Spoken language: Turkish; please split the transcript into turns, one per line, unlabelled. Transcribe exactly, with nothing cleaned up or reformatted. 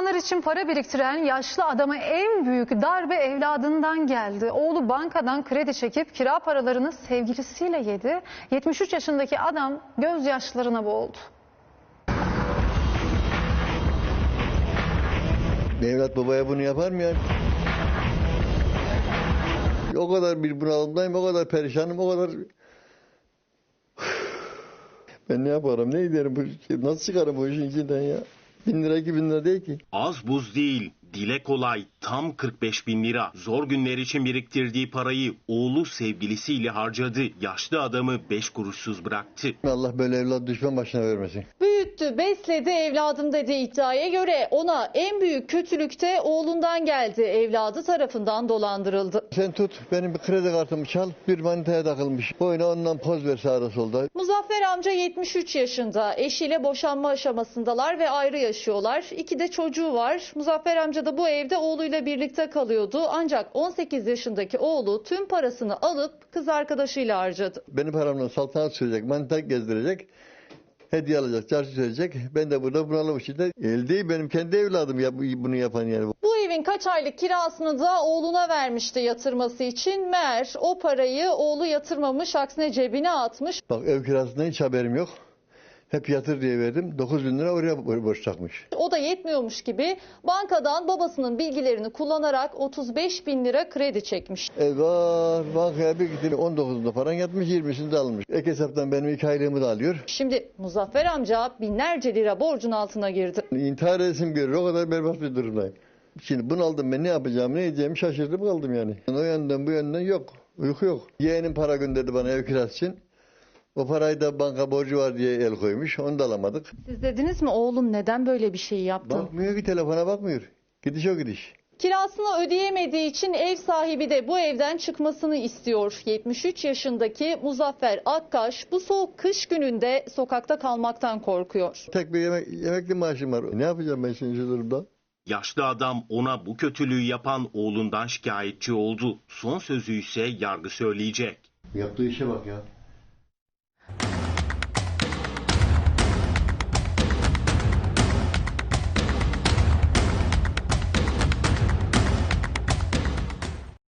İmtihanlar için para biriktiren yaşlı adama en büyük darbe evladından geldi. Oğlu bankadan kredi çekip kira paralarını sevgilisiyle yedi. yetmiş üç yaşındaki adam gözyaşlarına boğuldu.
Bir evlat babaya bunu yapar mı ya? O kadar bir bunalımdayım, o kadar perişanım, o kadar... Ben ne yaparım, ne ederim, bu, nasıl çıkarım bu işin içinden ya? Bin lira, iki bin lira değil ki.
Az buz değil, dile kolay, tam kırk beş bin lira. Zor günler için biriktirdiği parayı oğlu sevgilisiyle harcadı. Yaşlı adamı beş kuruşsuz bıraktı.
Allah böyle evlat düşman başına vermesin.
Büyüttü, besledi evladım dediği iddiaya göre ona en büyük kötülük de oğlundan geldi. Evladı tarafından dolandırıldı.
Sen tut, benim bir kredi kartımı çal, bir manitaya takılmış. Boyuna ondan poz ver sağda solda.
Muzaffer amca yetmiş üç yaşında. Eşiyle boşanma aşamasındalar ve ayrı yaşıyorlar. İki de çocuğu var. Muzaffer amca da bu evde oğluyla birlikte kalıyordu. Ancak on sekiz yaşındaki oğlu tüm parasını alıp kız arkadaşıyla harcadı.
Benim paramla saltanat sürecek, manita gezdirecek. Hediye alacak, çarşı söyleyecek. Ben de burada bunalım içinde. El değil, benim kendi evladım ya bunu yapan yani.
Bu evin kaç aylık kirasını da oğluna vermişti yatırması için. Meğer o parayı oğlu yatırmamış, aksine cebine atmış.
Bak ev kirasından hiç haberim yok. Hep yatır diye verdim. dokuz bin lira oraya borç takmış.
O da yetmiyormuş gibi bankadan babasının bilgilerini kullanarak otuz beş bin lira kredi çekmiş.
Eyvah, bankaya bir gittim. on dokuzunda paran yatmış, yirmisini de almış. Ek hesaptan benim iki aylığımı da alıyor.
Şimdi Muzaffer amca binlerce lira borcun altına girdi.
İntihar edesim görür. O kadar berbat bir durumdayım. Şimdi bunaldım, ben ne yapacağım, ne edeceğimi şaşırdım kaldım yani. O yönden bu yönden yok. Uyku yok. Yeğenim para gönderdi bana ev kirası için. O parayı da banka borcu var diye el koymuş. Onu da alamadık.
Siz dediniz mi oğlum neden böyle bir şey yaptı?
Bakmıyor ki, telefona bakmıyor. Gidiş o gidiş.
Kirasını ödeyemediği için ev sahibi de bu evden çıkmasını istiyor. yetmiş üç yaşındaki Muzaffer Akkaş bu soğuk kış gününde sokakta kalmaktan korkuyor.
Tek bir yemek, yemekli maaşım var. Ne yapacağım ben şimdi şu durumda?
Yaşlı adam ona bu kötülüğü yapan oğlundan şikayetçi oldu. Son sözü ise yargı söyleyecek.
Yaptığı işe bak ya.